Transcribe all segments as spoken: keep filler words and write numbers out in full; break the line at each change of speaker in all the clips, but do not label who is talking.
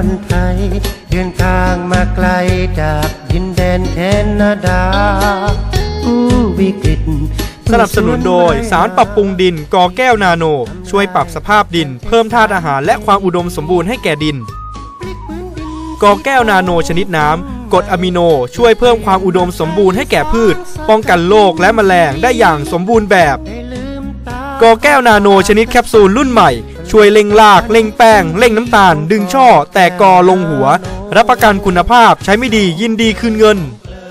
รไทยเดินทางมาไกลจากดินแดนแคนาดาผู้วิกฤต
สนับสนุนโดยสารปรับปรุงดินกอแก้วนาโนช่วยปรับสภาพดินเพิ่มธาตุอาหารและความอุดมสมบูรณ์ให้แก่ดินกอแก้วนาโนชนิดน้ำกรดอะมิโนช่วยเพิ่มความอุดมสมบูรณ์ให้แก่พืชป้องกันโรคและแมลงได้อย่างสมบูรณ์แบบกอแก้วนาโนชนิดแคปซูลรุ่นใหม่ช่วยเร่งรากเร่งแป้งเร่งน้ำตาลดึงช่อแตกกอลงหัวรับประกันคุณภาพใช้ไม่ดียินดีคืนเงิน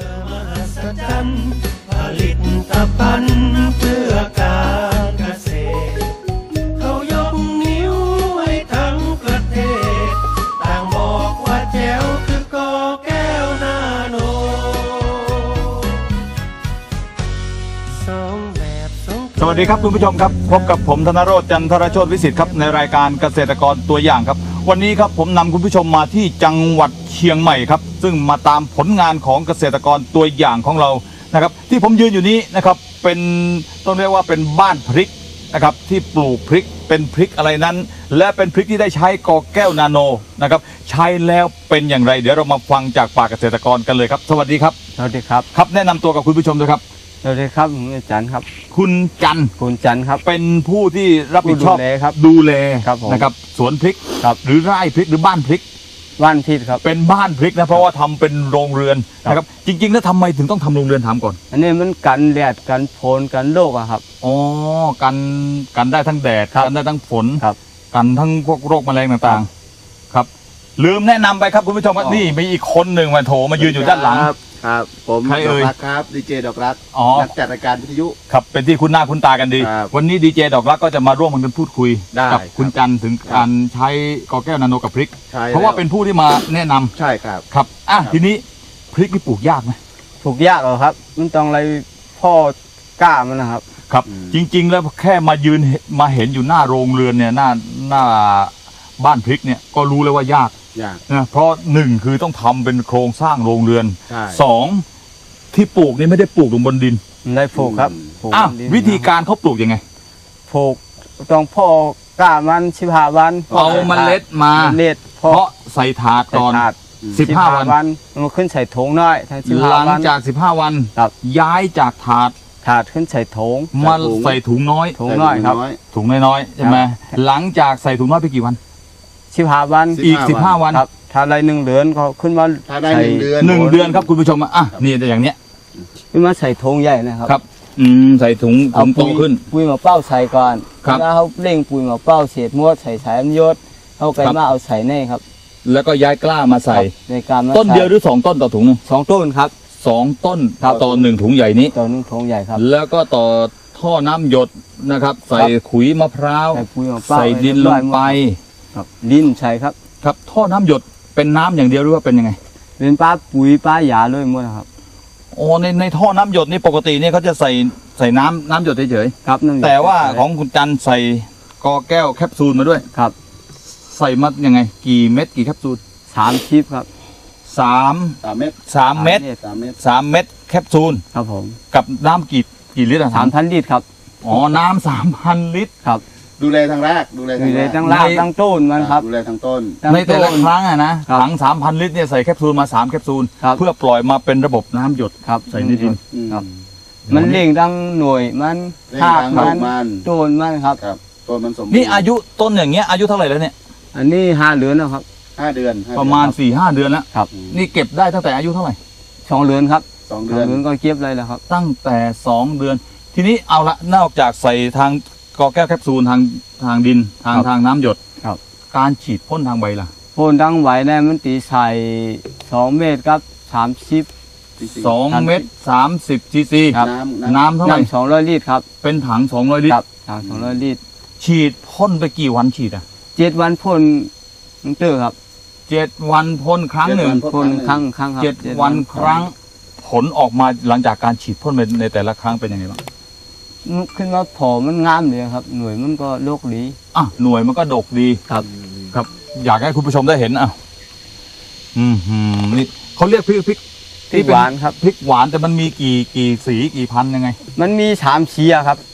ผลิตภัณฑ์เพื่อการเกษตรเขายกนิ้วให้ทั้งประเทศต่างบอกว่าแจ๋วคือกอแก้วนาโนสองแบบสอง
สวัสดีครับคุณผู้ชมครับพบกับผมธนโรจน์จันทรโชติวิสิทธิ์ครับในรายการเกษตรกรตัวอย่างครับวันนี้ครับผมนำคุณผู้ชมมาที่จังหวัดเชียงใหม่ครับซึ่งมาตามผลงานของเกษตรกรตัวอย่างของเรานะครับที่ผมยืนอยู่นี้นะครับเป็นต้องเรียกว่าเป็นบ้านพริกนะครับที่ปลูกพริกเป็นพริกอะไรนั้นและเป็นพริกที่ได้ใช้กอแก้วนาโนนะครับใช้แล้วเป็นอย่างไรเดี๋ยวเรามาฟังจากปากเกษตรกรกันเลยครับสวัสดีครับ
สวัสดีครับ
ครับแนะนำตัวกับคุณผู้ชมด้วยครับ
สวัสดีครับผมจันครับ
คุณจัน
คุณจันครับ
เป็นผู้ที่รับผิดชอบ
ดูแลครับ
ดูแล
นะครับ
สวนพริกหรือไร่พริกหรือบ้านพริก
บ้านพริกครับ
เป็นบ้านพริกนะเพราะว่าทำเป็นโรงเรือนนะครับจริงๆแล้วทำไมถึงต้องทำโรงเรือนถามก่อน
อันนี้มันกันแดดกันฝนกันโรคอะครับ
อ๋อกันกันได้ทั้งแดดกันได้ทั้งฝน
ครับ
กันทั้งพวกโรคแมลงต่างๆครับลืมแนะนำไปครับคุณผู้ชมว่านี่มีอีกคนหนึ่งมาโถมายืนอยู่ด้านหลัง
ครับผม
ใครเอ่ย
ครับดีเจดอกรักนักจัดรายการวิทยุ
ครับเป็นที่คุ้นหน้าคุ้นตากันดีวันนี้ดีเจดอกรักก็จะมาร่วมกันพูดคุยกับคุณจันถึงการใช้กอแก้วนาโนกับพริกเพราะว่าเป็นผู้ที่มาแนะนำ
ใช่ครับ
ครับอ่ะทีนี้พริกนี่ปลูกยากไหม
ปลูกยากเหรอครับมันต้องอะไรพ่อกล้ามันนะครับ
ครับจริงๆแล้วแค่มายืนมาเห็นอยู่หน้าโรงเรือนเนี่ยหน้าหน้าบ้านพริกเนี่ยก็รู้เลยว่ายากนะเพราะหนึ่งคือต้องทำเป็นโครงสร้างโรงเรือนสองที่ปลูกนี่ไม่ได้ปลูกลงบนดิน
ได้ปลูกครับ
อ้าววิธีการเขาปลูกยังไง
ปลูกต้องพ่อกล้ามันสิบห้าวัน
เอาเมล็ดมา
เมล็ด
เพราะใส่ถาดก่อนสิบห้าวัน
มันขึ้นใส่ถุงน้อย
หลังจากสิบห้าวันย้ายจากถาด
ถาดขึ้นใส่ถุง
มาใส่ถุงน้อย
ถุงน้อยครับ
ถุงน้อยๆใช่ไหมหลังจากใส่ถุงน้อยไปกี่วัน
สิบห้าวัน
อีกสิบห้าวัน
ครับถ้าได้หนึ่งเดือนเขาขึ้นมา
ถ้าได้หนึ่งเดือน
หนึ่งเดือนครับคุณผู้ชมอ่ะนี่อย่างเนี้ย
ขึ้นมาใส่ถุงใหญ่นะครับ
ครับอืมใส่ถุงถุงโตขึ้น
ปุ๋ยมะเป้าใส่ก่อนแล้วเขาเร่งปุ๋ยมะเป้าเศษมวดใส่สายมยศเขาไกลมาเอาใส่ในครับ
แล้วก็ย้ายกล้ามาใส่
ในการ
ต้นเดียวหรือสองต้นต่อถุงนึง
สองต้นครับ
สองต้นต่อหนึ่งถุงใหญ่นี้
ต่อหนึ่งถุงใหญ่ครับ
แล้วก็ต่อท่อน้ำหยดนะครับใส่ขุยมะพร้าวใส่ดินลงไป
ครับดินใช่ครับ
ครับท่อน้ำหยดเป็นน้ำอย่างเดียวหรือว่าเป็นยังไง
เป็นปลาปุ๋ยปลาหยาเลยหมดครับ
โอ้ในในท่อน้ำหยดนี่ปกติเนี่ยเขาจะใส่ใส่น้ำน้ำหยดเฉย
ๆครับ
แต่ว่าของคุณจันใส่กอแก้วแคปซูลมาด้วย
ครับ
ใส่มายังไงกี่เม็ดกี่แคปซูล
สามชิปครับ
สาม
สามเม็ด
สามเม็ดสามเม็ดสามเม็ดแคปซูล
ครับผม
กับน้ำกี่กี่ลิตร
สามพันลิตรครับ
อ๋อน้ำสามพันลิตร
ครับ
ดูแลทางแรกดูแล
ทางรากทางต้นมันครับ
ดูแลทางต้น
ในแต่ละครั้งอะนะถังสามพันลิตรเนี่ยใส่แคปซูลมาสามแคปซูลเพื่อปล่อยมาเป็นระบบน้ำหยด
ครับ
ใส่ในดิน
ครับมันเลี้ยงดังหน่วยมัน
หากมัน
ต้นมันครับ
ต้นมันสมบูรณ์
นี่อายุต้นอย่างเงี้ยอายุเท่าไหร่แล้วเนี่ย
อันนี้ห้าเดือนแล้วครับ
ห้าเดือน
ประมาณสี่ห้าเดือนแล้ว
ครับ
นี่เก็บได้ตั้งแต่อายุเท่าไหร่
สองเดือนครับ
สองเดือน
ก็เก็บเลยแล้วครับ
ตั้งแต่สองเดือนทีนี้เอาละนอกจากใส่ทางกอแก้วแคปซูลทางทางดินทางทางน้ำหยด
ครับ
การฉีดพ่นทางใบล่ะ
พ่นทางใบเนี่ยมันตีใส่สองเมตรครับสามสิบ
สองเมตรสามสิบซีซีน้ำเท่าไหร่
สองร้อยลิตรครับ
เป็นถังสองร้อยลิตร
ถังสองร้อยลิตร
ฉีดพ่นไปกี่วันฉีดอ่ะ
เจ็ดวันพ่นนึงเตอร์ครับ
เจ็ดวันพ่นครั้งหนึ่ง
พ่นครั้งครั้งครับ
เจ็ดวันครั้งผลออกมาหลังจากการฉีดพ่นในแต่ละครั้งเป็นยังไงบ้าง
ขึ้นมาผอมันงามเลยครับหน่วยมันก็โลกดี
อ่ะหน่วยมันก็ดกดี
ครับ
ครับอยากให้คุณผู้ชมได้เห็นอ่ะอืมนี่เขาเรียกพริกพริก
พริกหวานครับ
พริกหวานแต่มันมีกี่กี่สีกี่พันยังไง
มันมีสามสีครับ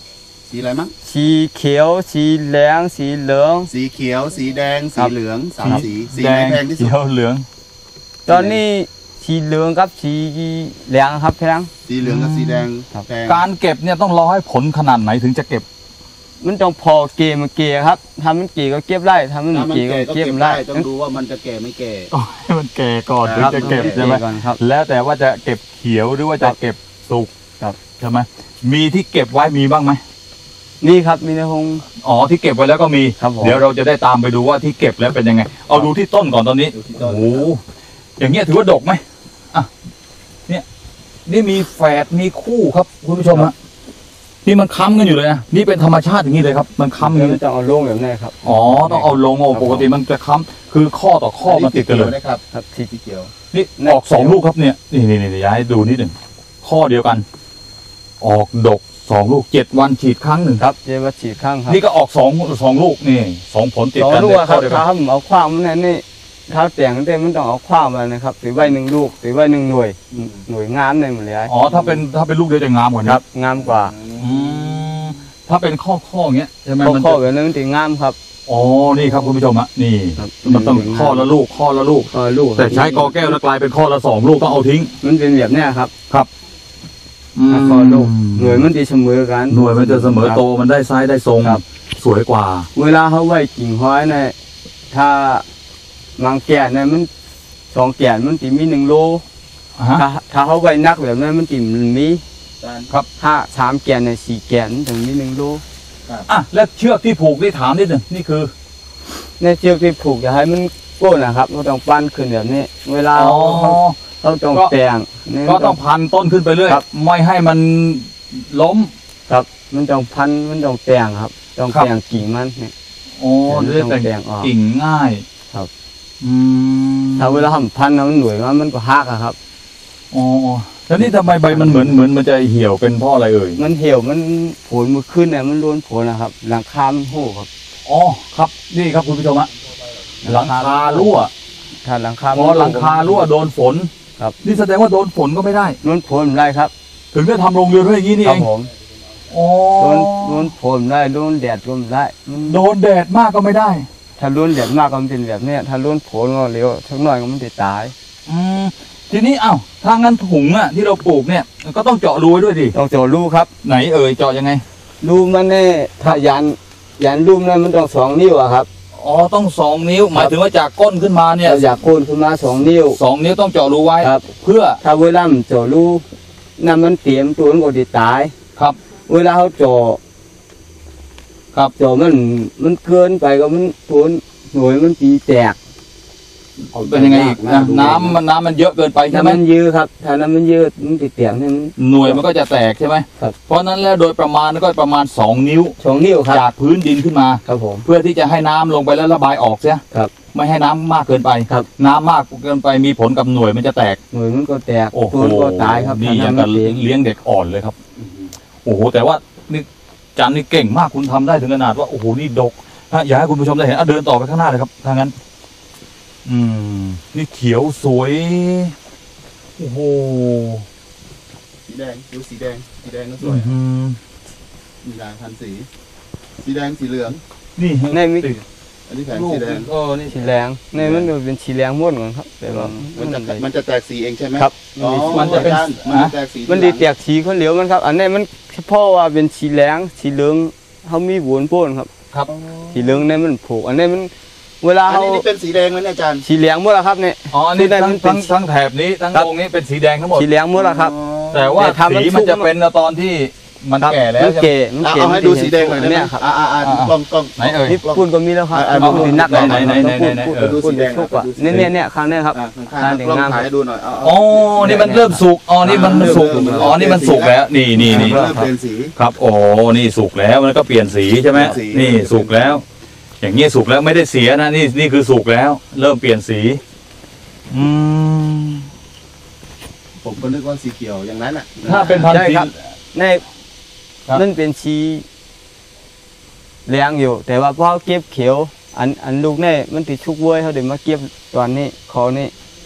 สีอะไรมั้ง
สีเขียวสีแดงสีเหลือง
สีเขียวสีแดงสีเหลืองสามสีสี
แด
ไหน
ง
แพงที่สุ
เขี
ด
ยวเหลือง
ตอนนี้สีเหลืองกับสีแดงครับแพง
สีเหลืองกับสีแดง
ครับ
แพง
การเก็บเนี่ยต้องรอให้ผลขนาดไหนถึงจะเก็บ
มันต้องพอเกยมันเกยครับทำมันเกยก็เก็บไร่ทำมัน
ถ้ามัน
เกยก็
แก่ก็
เก็บ
เก็บ
ไร่
ได้ต้องดูว่ามันจะแก่ไม่แก่
ต้องให้มันแก่ก่อนถึง
ครับ
จะเก็บ
ต้อง
ใช่ไหม
เกยก่อนครับ
แล้วแต่ว่าจะเก็บเขียวหรือว่าจะเก็บสุก
ครับ
ใช่ไหมมีที่เก็บไว้มีบ้างไหม
นี่ครับมีในห้อง
อ๋อที่เก็บไว้แล้วก็มี
ครับผม
เดี๋ยวเราจะได้ตามไปดูว่าที่เก็บแล้วเป็นยังไง เอาดูที่ต้นก่อนตอนนี้
ดูที่ต้น
โอ้โหอย่างเงี้ยถือว่าดกไหมอ่ะเนี่ยนี่มีแฝดมีคู่ครับคุณผู้ชมฮะนี่มันค้ำกันอยู่เลยนะนี่เป็นธรรมชาติอย่างนี้เลยครับ มันค้ำอย่าง
มั
นี้
นจะเอาลงแบบนี้ครับ
อ๋อต้องเอาลงโอ้ปกติมันจะค้ำคือข้อต่อข้อมันติดกันเลย
นะครับ
ครับที่
สีเขียว
นี่ออกสองลูกครับเนี่ยนี่นี่นี่ย้ายดูนิดหนึ่งข้อเดียวกัน ออกดกสองลูกเจ็ดวันฉีดครั้งหนึ่ง
ครับเจวัฉีดข้างครับ
นี่ก็ออกสองสองลูกนี่สองผลติด
สอง
กัน
ลูก
เลย
ค
ข้
รั
อบ เดียวกัน
ถ้าผมเอาความมันนี่ถ้าแต่งเต็มมันต้องเอาความมานะครับถือไว้หนึ่งลูกถือไว้หนึ่งหน่วยหน่วยงามในหมดเลย
อ๋อถ้าเป็นถ้าเป็นลูกเดียวจะงามกว่านี้
ครับงามกว่า
อืมถ้าเป็นข้อข้ออย่างเงี้ยใช่ไหม
ข้อ
มัน
ข้อ
จะ
แบบนั้นมันถึงงามครับ
อ๋อนี่ครับคุณผู้ชมฮะนี่
ครับ
มันต้องข้อละลูกข้อละลูก
ข้อลูก
แต่ใช้กอแก้วแล้วกลายเป็นข้อละสองลูกต้องเอาทิ้ง
มันเป็นแบบเนี้ยครับ
ม
ข้อลูกหน่วยมันดีเสมอกัน
หน่วยมันจะเสมอโตมันได้ไซส์ได้ทรง
ครับ
สวยกว่า
เวลาเขาไว้กิ่งห้อยเนี่ยถ้าบางแก่นเนี่ยมันสองแก่นมันตีมีหนึ่งโล
ฮะ
ถ้าถ้าเขาไว้นักแบบนั้นมันตีมี
ครับ
ถ้าสามแก่นเนี่ยสี่แก่นถึงมีหนึ่งโล
อ่ะแล้วเชือกที่ผูกนี่ถามนิดหนึ่งนี่คือ
ในเชือกที่ผูกอย่าให้มันโก้นนะครับเราต้องปั้นขึ้นแบบนี้ เวลา
อ๋อ
เขาเขาต้อง
ก็
แต่งนี่
ก็ต้องพันต้นขึ้นไปเรื่อย
ครับ
ไม่ให้มันล้ม
ครับ มันต้องพันมันต้องแต่งครับ ต้อง
ครับ
แต่งกิ่งมันเนี่ย
โอ้
เดี๋
จะ
ยว
ได้
ต้อง
แต่
แต่
ง
งออก
กิ่งง่าย
ครับ
อืม
ถ้าเวลาทำพันแล้วมันหน่วยมันมันก็หักอะครับ
อ๋อแล้วนี่ทำไมใบมันเหมือนเหมือนมันจะเหี่ยวเป็นเพราะอะไรเอ่ย
มันเหี่ยวมันผลมันขึ้นเนี่ยมันล้วนผลนะครับ หลังคามันโหครับ
อ๋อครับนี่ครับคุณผู้ชมฮะหลังคารั่ว
ถ้าหลังคา
พอหลังคารั่วโดนฝน
ครับ
นี่แสดงว่าโดนฝนก็ไม่ได้
ล้วนผลได้ครับ
ถึงได้ทำโรงเรือนไว้อย่างนี้นี่
ครั
เอบ ง
ผม
อ๋อ
ล้วนล้วนผลได้ล้วนแดดล้วนได้มัน
โดนแดดมากก็ไม่ได้
ถ้าล้วนแดดมากก็มันเป็นแบบเนี้ยถ้าล้วนผลก็เร็วทั้งหน่อยก็มันจะตาย
อืมทีนี้เอ้าถ้างั้นถุงอ่ะที่เราปลูกเนี่ยก็ต้องเจาะรูไว้ด้วยดิ
ต้องเจาะรูครับ
ไหนเอ่ยเจาะยังไง
รูมันเนี่ยถ้ายันยันรูมนั้นมันต้องสองนิ้วอะครับ
อ๋อต้องสองนิ้ว หมายถึงว่าจากก้นขึ้นมาเนี่ย
เราอยากโคนขึ้นมาสองนิ้ว
สองนิ้วต้องเจาะรูไว้
ครับ
เพื่อ
ถ้าเวลามันเจาะรูนั่นมันเตรียมตัวมันก็จะตาย
ครับ
เวลาเขาเจาะ
ครับ
เจาะมันมันเกินไปก็มันตัวหน่วยมันตีแตก
เป็นยังไงอีกนะน้ำมันน้ำมันเยอะเกินไปใช่
ถ้า
ไหม
มันยืดครับถ้าน้ำมันยืดมันติดแตกนี่มัน
หน่วยมันก็จะแตกใช่ไหม
ครับ
เพราะฉะนั้นแล้วโดยประมาณก็ประมาณสองนิ้ว
สองนิ้วครับ
จากพื้นดินขึ้นมา
ครับผม
เพื่อที่จะให้น้ำลงไปแล้วระบายออกเสีย
ครับ
ไม่ให้น้ำมากเกินไป
ครับ
น้ำมากเกินไปมีผลกับหน่วยมันจะแตก
หน่วยมันก็แตก
โอ้โห
ตัวมันก็ตายครับ
นี่อย่าง
ถ้า
กับ
น้ำมันเต็ม
เลี้ยงเด็กอ่อนเลยครับโอ้โหแต่ว่านี่จันนี่เก่งมากคุณทำได้ถึงขนาดว่าโอ้โหนี่ดกถ้าอยากให้คุณผู้ชมได้เห็นอ่ะเดินต่อไปข้างหน้าเลยครับถ้างั้น อืมนี่เขียวสวยโอ้โห
สีแดงดูสีแดงสีแดงก็ส
อื้
ว
อย หือ
มีหลายพันสี สีแดงสีเหลือง
นี่
ในมิ
ติด
อันนี้แผง
ลูก
สีแดง
เออนี่
สีแดงในมันเป็นสีแดงม้วนก่อนครับแต่ว่า
มันจะ
มัน
มันจะแตกสีเองใช่ไหม
ครับ
อ๋อ
มันจะเป็น
อาจารย์มันจะแตกสี
มันดีแตกสีคนเหลียวมันครับ อันนี้มันเฉพาะว่าเป็นสีแดงสีเหลืองเขามีวนโป้นครับ
ครับ
สีเหลืองเนี่ยมันผูก อันนี้มันเวลา
อัน
เขา
นี้นี่เป็นสีแดงไหมเนี่ยอาจารย์
สีเหลืองหมดแล้วครับเนี่ย
อ๋อนี่
ที่ได้
ทั้ง
มันเป็น
ทั้งทั้งแถบนี้ทั้ง
ครับ
วงนี้เป็นสีแดงทั้งหมด
สีเหลืองหมดแล้วครับ
อ๋อ
แต่ว่า
แต่ทำมัน
สีมัน
สุก
จะเป็นตอนที่มันแก่แล้ว
มัน
ใช่ไหม
เก๋มัน
เอา
เก๋
เอาให้ดูสีแดงหน่อยได้ไหม
เนี่ยครับ
อ่าอ่าอ่า
อ่า
กล้องกล้อง
ไหนเอ่ย
นี่ปุ่นก็มีแล้วครับ
อ่า
ปุ่นสีนัก
ไหนไหนไหนไหนไหน
ปุ่น
เออ
ปุ่นชุกอ่ะเนี่ยเนี่ยเนี่ยครั้งเนี้ยครับ
อ่าข้าง
อ่า
ๆ
เดี๋ยว
กล้อง
งาม
ถ่ายให้ดูหน่อยเอาเอา
อ๋อนี่มันเริ่มสุกอ๋อนี่มันมันสุกอ๋อนี่มันสุกแล้วนี่นี่นี่
เริ่มเปลี่ยนสี
ครับโอ้นี่สุกแล้วมันก็เปลี่ยนสีใช่ไหม
เปลี่ยนสี
นี่สุกแล้ว อย่างเงี้ยสุกแล้วไม่ได้เสียนะนี่นี่คือสุกแล้ว เริ่มเปลี่ยนสีอืม
ผมก็นึกว่าสีเขียวอย่างนั้นอ่ะ
ถ้าเป็นพันธุ์
ใช่
สี
ครับใน
ครับ
มันเป็นสีเหลืองอยู่ แต่ว่าพอเก็บเขียว อันอันลูกเนี่ยมันติดชุกเว้ยเขาเดี๋ยวมาเก็บตอนนี้คอนี่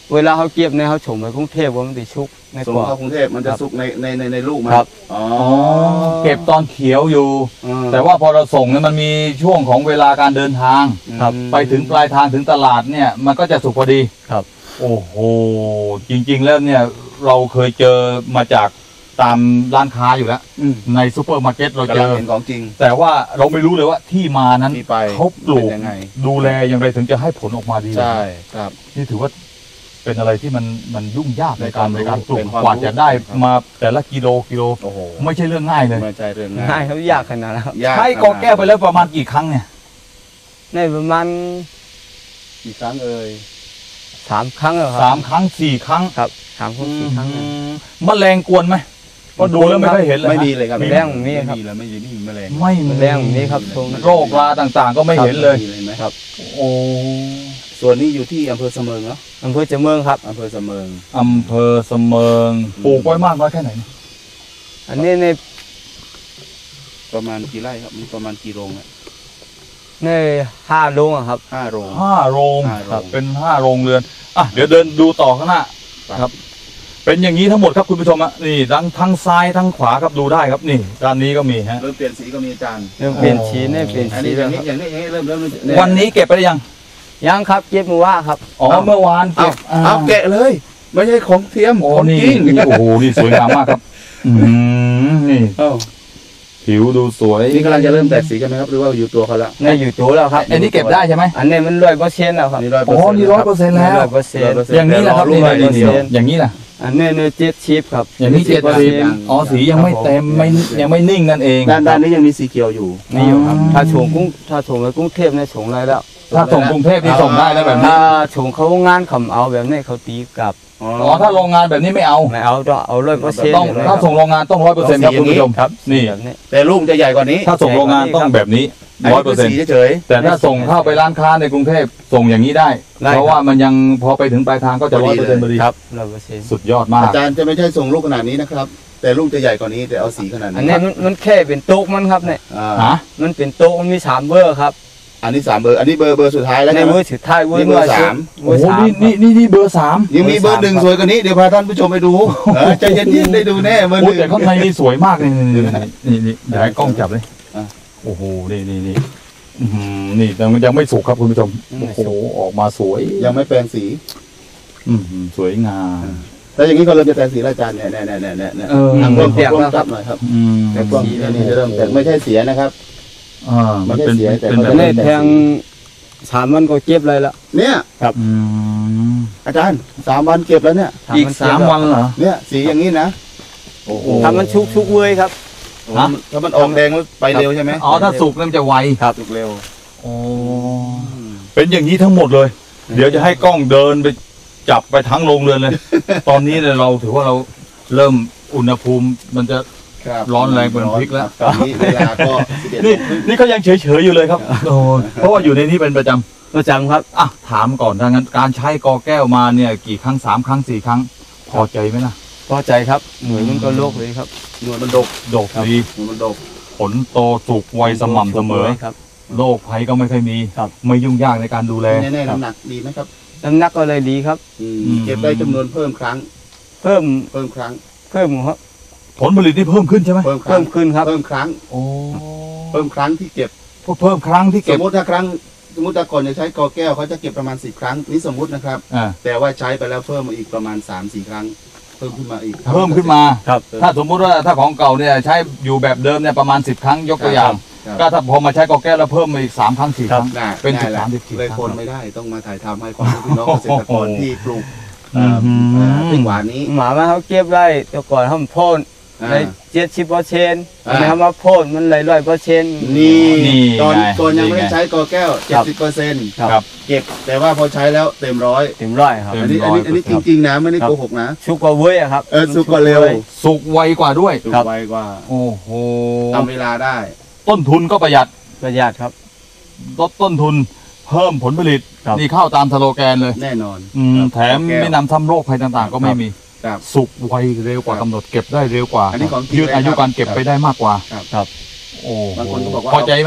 เวลาเขาเก็บเนี่ยเขาส่งไปกรุงเทพว่ามันติชุกใน
ส่ง
กรอบ
เข้ากรุงเทพมันจะสุกในในในในลูกมัน
ครับ
อ๋อ
อ๋อเก็บตอนเขียวอยู่
อืม
แต่ว่าพอเราส่งเนี่ยมันมีช่วงของเวลาการเดินทาง
ครับ
ไปถึงปลายทางถึงตลาดเนี่ยมันก็จะสุกพอดี
ครับ
โอ้โหจริงๆแล้วเนี่ยเราเคยเจอมาจากตามร้านค้าอยู่แล้ว
อืม
ในซูเปอร์มาร์เก็ตเราเจ
กำลัง
อ
เห็นของจริง
แต่ว่าเราไม่รู้เลยว่าที่มานั้น
ที่ไป
เขาปลูก
เป็นยังไง
ดูแลอย่างไรถึงจะให้ผลออกมาดี
ใช่ครับ
นี่ถือว่าเป็นอะไรที่มันมันยุ่งยากในการ
เป็
ใน
นความรู้
การปลูก
เป็นความ
กว่าจะได้
รู้ครับ
มาแต่ละกิโลกิโล
โอ้โห
ไม่ใช่เรื่องง่ายเลย
ไม่ใช่เรื่องง่าย
ง่ายเขายากขนาดนั้นครับ
ยาก
ใช้กอแก้วไปแล้วประมาณกี่ครั้งเนี่ย
ในประมาณ
กี่ครั้งเอ่ย
สามครั้งแล้วค
สา
รั
มครั้งสี่ครั้ง
ครับสามครั้งสี่ครั้ง
อืมแมลงกวนไหมเพราะดูแล้วไม่ค่อยเห็นเลย
ไม่
ฮะ
มีเลยครับ
แมลงมีครับ
ไม่มีแล้วไม่มีไม่มีแมลง
ไม่มี
แมลงมีครับตรง
โรคราต่างๆ ก็ไม่เห็นเลย
มีเลยไหม
ครับ
โอ้
ส่วนนี้อยู่ที่อำเภอเสมิงเนาะ
อำเภอเจเมืองครับ
อำเภอเสมิง
อำเภอเสมิงปลูกไว้มากน้อยแค่ไหนเนี่ย
อันนี้ใน
ประมาณกี่ไร่ครับมีประมาณกี่โรงอะ
ในห้าโลงอะครับ
ห้าโรง
ห้าโรง
ห้าโรง
ครับเป็นห้าโรงเรือนอ่ะเดี๋ยวเดินดูต่อข้างหน้าครับ เป็นอย่างนี้ทั้งหมดครับคุณผู้ชมอ่ะนี่ทั้งทั้งซ้ายทั้งขวาครับดูได้ครับนี่ด้านนี้ก็มีฮะ
เริ่มเปลี่ยนสีก็มีอาจารย์
เริ่มเปลี่ยนสีเนี่ยเปลี่ยน
อัน
สี
นี้อ
แล้
ย่าว ง
ค
นี้
รับ
อย่างนี้อย่างนี้เริ่มเริ่มเริ่ม
วันนี้เก็บไปได้ยัง
ยังครับเก็บมือว่าครับ
อ๋อเมื่อวาน
เอา
เก็บ
เอาแกะเลย ไม่ใช่ของเทียม
โอ้
ของ
นี่
จริง
นี่โอ้โหนี่สวยงามมากครับอืมนี่
เอ้า
ผิวดูสวย
นี่กำลังจะเริ่มแตกสีกันไหมครับหรือว่าอยู่ตัวเขาแล้ว
ในอยู่ตัวแล้วครับ
อันนี้เก็บได้ใช่ไหม
อันนี้มันร้อยเปอร์เซ็นต์แล้วครับ
นี่ร้อย
อ๋อนี่ร้อยเปอร์เซ็นต์แล้ว
ร้อยเปอร์เซ็นต์
อย่างนี้แหละครับนี่
ร้อย
นี่
เปอร์
นี่
เซ็นต์
อย่างนี้แหละ
อันนี้เนื้อเจ็ดชิปครับ
อย่างนี้เจ็ดสิบอ๋อสียังไม่เต็มไม่ยังไม่นิ่งนั่นเอง
ด้านด้านนี้ยังมีสีเขียวอยู่
นี่อยู่ครับ
อ๋อ
ถ้าส่งกรุงถ้าส่งไปกรุงเทพเนี่ยส่งไรแล้ว
ถ้าส่งกรุงเทพนี่ส่งได้แล้วแบบนี้
ถ้าส่งเขางานเขาเอาแบบนี้เขาตีกลับ
อ๋อ
อ๋อถ้าโรงงานแบบนี้ไม่เอา
ไม่เอาต้องเอาร้อยเปอร์เซ็นต์
ต้องถ้าส่งโรงงานต้องร้อยเปอร์เซ็นต์ครับคุณผู้ชม
ครับ
นี่
แบบนี้
แต่ลูกจะใหญ่กว่านี้
ถ้าส่งโรงงานต้องแบบนี้
อัน
ร้อ
นี้
ยเปอ
คือ
ร์เซ็นต์
สีเฉย
แต่ถ้าส่งเข้าไปร้านค้าในกรุงเทพส่งอย่างนี้ได้
ได้
เพราะ
ครับ
ว่ามันยังพอไปถึงปลายทางก็จะ
พ
ร้
อ
อย
ดี
เปอร์เซ็นต์พอดี
ครับร้อยเปอร์เซ็นต์
สุดยอด
ๆ
มาก
อาจารย์จะไม่ใช่ส่งลูกขนาดนี้นะครับ แต่ลูกจะใหญ่กว่านี้แต่เอาสีขนาด
อัน
นี้
นี้มันมันแค่เป็นโต๊ะมันครับเนี่ย
อ่า
ฮะ
มันเป็นโต๊ะมันมีสามเบอร์ครับ
อันนี้สามเบอร์ อันนี้เบอร์เบอร์สุดท้ายแล้ว
ใน
ใช่ไหม
เบอร์สุดท้ายเบอร์
นี่เบอร์สาม
เบ
โอ้
อร์
โห
สาม
นี่นี่นี่นี่เบอร์สาม
ยังมีเบอร์หนึ่งสวยกว่านี้เดี๋ยวพาท่านผู้ชมไปดูเออใจเย็นๆได้ดูแน่เบอร์ห
โอ้
นึ่ง
แต่ข้างในนี่สวยมากนี่นี่นี่นี่เดี๋ยวให้กล้องจับเลย
อ่ะ
โอ้โหนี่นี่นี่อื้อหือนี่แต่มันยังไม่สุกครับคุณผู้ชมโอ้โหออกมาสวย
ยังไม่แปลงสี
อื้อหือสวยงาม
แต่อย่างนี้เขาเริ่มจะแปลงสีแล้วอาจารย์เนี่ยเนี่ยเนี่ยเนี่ยเนี่ย
เออ
ทางกล้อง
เปียก
กล้อง
แล้วค
จั
รั
บบ หน่อยครับ
อืม
แต่กล้องอันนี้จะเริ่มแตกไม่ใช่เสียนะครับ
อ่ามันเป็น
ไม่ใช่เสียแต่
เป็นแบ
เขา
บ
จะ
ใน
ได้
แทงสามวันก็เก็บเลยละ
เนี่ย
อืม
อาจารย์สามวันเก็บแล้วเนี่ย
อีกสามวันเหรอ
เนี่ยสีอย่างนี้นะโอ้โห
ถ้ามันชุกชุกเว้ยครับ
ฮะ
ถ้ามันออกแดงแล้วไปเร็วใช่ไหม
อ๋อถ้าสุกแล้วมันจะไว
สุกเร็ว
โอ้เป็นอย่างนี้ทั้งหมดเลย เดี๋ยวจะให้กล้องเดินไปจับไปทั้งโรงเรือนเลย ตอนนี้เนี่ยเราถือว่าเราเริ่มอุณหภูมิมันจะ
ครับ
ร้อนแรงเป็นพริกแล้ว
ตอนนี้เวลาก็สิบเอ็ดโม
นี่
งครึ่ง
นี่เขายังเฉยๆอยู่เลยครับโอ้เพราะว่าอยู่ในนี้เป็นประจำ
ประจำครับ
อ่ะถามก่อนถ้างั้นการใช้กอแก้วมาเนี่ยกี่ครั้งสามครั้งสี่ครั้ง พอใจไหมล่ะ
พอใจครับหน่วยมันก็โลกเลยครับ
หน่วยมันดก
ดกดี
หน่วยมันดก
ผลโตสุกไวสม่ำเสมอ
ครับ
โรคภัยก็ไม่ค่อยมี
ครับ
ไม่ยุ่งยากในการดูแล
แน่ๆน้ำหนักดีไหมครับ
น้ำหนักก็เลยดีครับ
อืม
อืม
เก็บได้จำนวนเพิ่มครั้ง
เพิ่ม
เพิ่มครั้ง
เพิ่มครับ
ผลผลิตที่เพิ่มขึ้นใช่ไหม
เพิ่มครั้
เพิ่
ง
มขึ้นครับ
เพิ่มครั้ง
โอ้
เพิ่มครั้งที่เก็บ
เพิ่มครั้งที่
ส
เก็บ
มมติถ้าครั้งสมมติแต่ก่อนจะใช้กอแก้วเขาจะเก็บประมาณสิบครั้งนี่สมมตินะครับ
อ่า
แต่ว่าใช้ไปแล้วเพิ่มมาอีกประมาณสามสี่ครั้ง เพิ่มขึ้นมาอีก
เพิ่มขึ้นมา
ครับ
ถ้าสมมุติว่าถ้าของเก่าเนี่ยใช้อยู่แบบเดิมเนี่ยประมาณสิบครั้งยกตัวอย่าง
ครับ
ก็ถ้าพอมาใช้กอแก้วแล้วเพิ่มมาอีกสามครั้งสี่ครั้ง
น่ะ
เป็น
ง่ายแหละ
สิบสามสิบสี่
เลย
ครั้ง
คนไม่ได้ต้องมาถ่ายทำให้ความรู้พี่น้องเกษตรกรที่ปลูก
อืม
เอ่อพริกหวานนี้
หมามาเขาเก็บได้แต่ก่อนเขาพ่น
อ่า
เลยเจ็ดสิบเปอร์เซ็นต์
อ่า
ในเขามาพ่นมันเลยร้อยเปอร์เซ็นต์
นี่
นี่
ตอน
ไง
ตอนยังไม่ได้
นี่ไง
ใช้กอแก้ว
ครับ
เจ็ดสิบเปอร์เซ็นต์
ครับ
เก็บแต่ว่าพอใช้แล้วเต็มร้อย
เต็มร้อยครับ
เต็ม
อันนี้อันนี้อันนี้จริงๆนะไม่ได้โกหกนะ
ชุกกว่าเว้ยอะครับ
เออสุกกว่าเร็ว
สุกไวกว่าด้วย
สุก
ครับ
ไวกว่า
โอ้โห
ทำเวลาได้
ต้นทุนก็ประหยัด
ประหยัดครับ
ลดต้นทุนเพิ่มผลผลิต
ครับ
นี่เข้าตามสโลแกนเลย
แน่นอน
อืมแถม
กอแก้ว
ไม่นำซ้ำโรคภัยต่างๆ ก็ไม่มี
ครับ
สุกไวเร็วกว่า
ครับ
กำหนดเก็บได้เร็วกว่า
อันนี้ของจริง
ยืดอายุการเก็บ
ครับ
ไปได้มากกว่า
ครับ
ครับ
โอ้โห
บางคนก็บอกว่า
พอใจไหม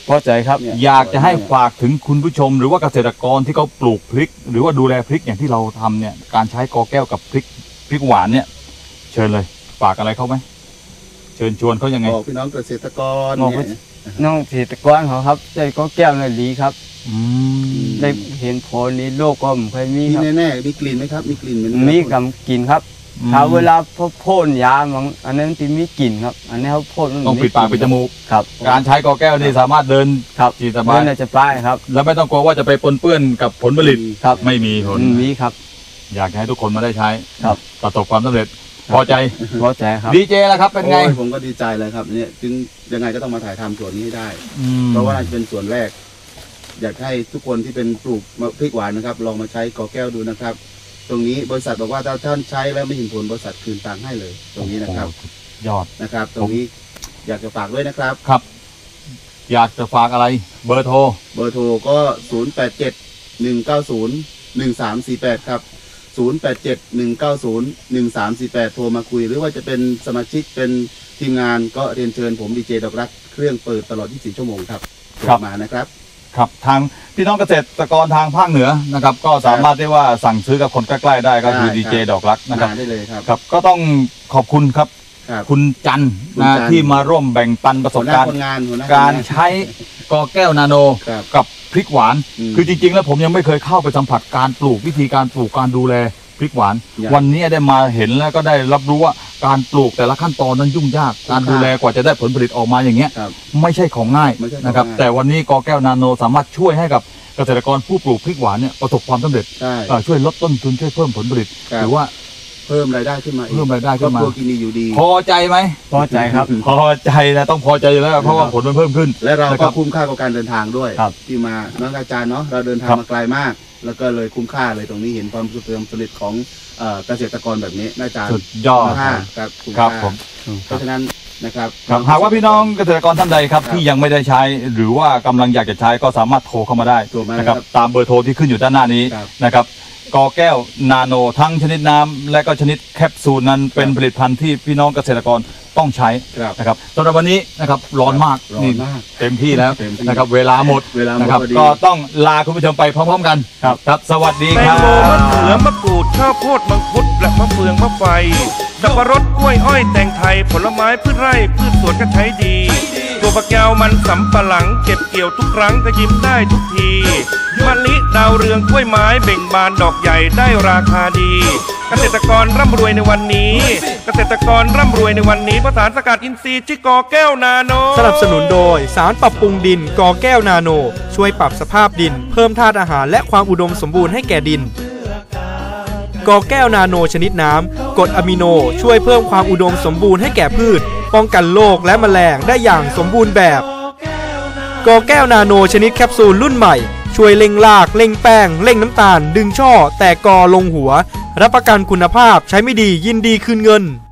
พอใจครับ
อยากจะให้ฝากถึงคุณผู้ชมหรือว่าเกษตรกรที่เขาปลูกพริก หรือว่าดูแลพริกอย่างที่เราทำเนี่ยการใช้กอแก้วกับพริกพริกหวานเนี่ยเชิญเลยฝากอะไรเขาไหมเชิญชวนเขายังไง
บอกพี่น้องเกษตรกร
บอก
เนี่ย
น้องเกษตรกรเขาครับใจก็แก้วในดีครับ
อืม
ได้เห็นผลนี้โลกก็ไม่เคยมี
มี
ครับ
แน่ๆมีกลิ่นไหมครับมีกลิ่นเหมือน
มีกำกินครับถ้าเวลาพอพ่นยามันอันนั้นที่มีกลิ่นครับ อันนี้เขาพ่นมัน
ต้องปิดปากปิดจมูก
ครับ
การใช้กอแก้วนี่สามารถเดิน
ครับ
จีสบาย
เดินจะป้ายครับ
แล้วไม่ต้องกลัวว่าจะไปปนเปื้อนกับผลผลิต
ครับ
ไม่มีผล
มีครับ
อยากให้ทุกคนมาได้ใช้
ครับ
ประสบความสำเร็จพอใจ
พอใจครับ
ดีเจแล้วครับเป็นไง
โอ้ยผมก็ดีใจเลยครับเนี่ยจึงยังไงก็ต้องมาถ่ายทำส่วนนี้ให้ได้
อืม
เพราะว่าน่าจะเป็นส่วนแรก อยากให้ทุกคนที่เป็นปลูกพริกหวานนะครับ ลองมาใช้กอแก้วดูนะครับ ตรงนี้บริษัทบอกว่าถ้าท่านใช้แล้วไม่เห็นผลบริษัทคืนตังค์ให้เลย ตรงนี้นะครับ
โอ้โหยอด
นะครับ ตรงนี้อยากจะฝากด้วยนะครับ
ครับ อยากจะฝากอะไรเบอร์โทร
เบอร์โทรก็ ศูนย์ แปด เจ็ด หนึ่ง เก้า ศูนย์ หนึ่ง สาม สี่ แปด ครับ ศูนย์ แปด เจ็ด หนึ่ง เก้า ศูนย์ หนึ่ง สาม สี่ แปด โทรมาคุย หรือว่าจะเป็นสมาชิกเป็นทีมงานก็เรียนเชิญผมดีเจดอกรักเครื่องเปิดตลอดยี่สิบสี่ชั่วโมงครับโทรมานะครับ
ครับทางพี่น้องเกษตรกรทางภาคเหนือนะครับ ก็สามารถได้ว่าสั่งซื้อกับคนใกล้ๆได้ก็คือ
ได้
ดี
ครับ
เจดอกรักนะครับ
มาได้เลยครับ
ครับก็ต้องขอบคุณครับ
ครับ
คุณจันทร์
คุณ
นะ
จันทร์
ที่มาร่วมแบ่งปันประส
หั
บ
วหน้า
การณ์
คนงานหัวหน้า
การ
คนงน
ใช้กอแก้วนาโน
ครับ
กับพริกหวาน
อืม
คือจริงๆ แล้วผมยังไม่เคยเข้าไปสัมผัสการปลูกวิธีการปลูกการดูแลพริกหวาน
อยาก
วันนี้ได้มาเห็นแล้วก็ได้รับรู้ว่าการปลูกแต่ละขั้นตอนนั้นยุ่งยาก การดูแลกว่าจะได้ผลผลิตออกมาอย่างเงี้ย
ครับ
ไม่ใช่ของง่าย
ไม่ใช่ของ
นะครับ
ง่าย
แต่วันนี้กอแก้วนาโนสามารถช่วยให้กับเกษตรกรผู้ปลูกพริกหวานเนี่ยประสบความสำเร็จ
ใช่
เอ่อช่วยลดต้นทุนช่วยเพิ่มผลผลิต
ครับ
หรือว่า
เพิ่มรายได้ขึ้นมาอีก
เพิ่มรายได้ขึ้นมา
ครอบครัวกินดีอยู่ดี
พอใจไหม
พอใจครับ
พอใจนะต้องพอใจอยู่แล้วเพราะว่าผลมันเพิ่มขึ้น
และเรา
นะค
ก็
รับ
คุ้มค่ากับการเดินทางด้วย
ครับ
ที่มาน้องอาจารย์เนาะเราเดินทาง
ครับ
มาไกลมาก แล้วก็เลยคุ้มค่าเลยตรงนี้เห็นความสุขความสำเร็จของเอ่อเกษตรกรแบบนี้น่าจะ
สุดยอด
คุ้มค่าครับคุ้ม
ครับ
ค่า
ผม
เพราะฉะนั้นนะครับ
ครับหากว่าพี่น้องเกษตรกรท่านใดครับ
ครับ
ที่ยังไม่ได้ใช้ หรือว่ากำลังอยากจะใช้ก็สามารถโทรเข้ามาได้
โทรมา
นะครับ
ครับ
ตามเบอร์โทรที่ขึ้นอยู่ด้านหน้านี้
ครับ
นะครับกอแก้วนาโนทั้งชนิดน้ำและก็ชนิดแคปซูลนั้นเป็นผลิตภัณฑ์ที่พี่น้องเกษตรกรต้องใช้
ครับ
นะครับสำหรับวันนี้นะครับร้อนมาก
ร้อน
นี่
มาก
เต็มที่แล้ว
เต็มที่
นะครับเวลาหมด
เวลาหมด
นะครับ
พอดี
ก็ต้องลาคุณผู้ชมไปพร้อมๆกันครับครับสวัสดี
แต
ค
ง
รับ
โมมะเขือมะกรูดข้าวโพดมังคุดและมะเฟืองมะไฟสับปะรดกล้วยอ้อยแตงไทยผลไม้พืชไร่พืชสวนก็ใช้ดีตัวฝักยาวมันสำปะหลังเก็บเกี่ยวทุกครั้งก็ยิ้มได้ทุกทีมะลิดาวเรืองกล้วยไม้เบ่งบานดอกใหญ่ได้ราคาดี เกษตรกรร่ำรวยในวันนี้ เกษตรกรร่ำรวยในวันนี้เพราะสารสกัดอินทรีย์ที่กอแก้วนาโน
สนับสนุนโดยสารปรับปรุงดินกอแก้วนาโน ช่วยปรับสภาพดิน เพิ่มธาตุอาหารและความอุดมสมบูรณ์ให้แก่ดินกอแก้วนาโนชนิดน้ำกรดอะมิโนช่วยเพิ่มความอุดมสมบูรณ์ให้แก่พืช ป้องกันโรคและแมลงได้อย่างสมบูรณ์แบบกอแก้วนาโนชนิดแคปซูลรุ่นใหม่ช่วยเร่งรากเร่งแป้งเร่งน้ำตาล ดึงช่อแตกกอลงหัวรับประกันคุณภาพใช้ไม่ดียินดีคืนเงิน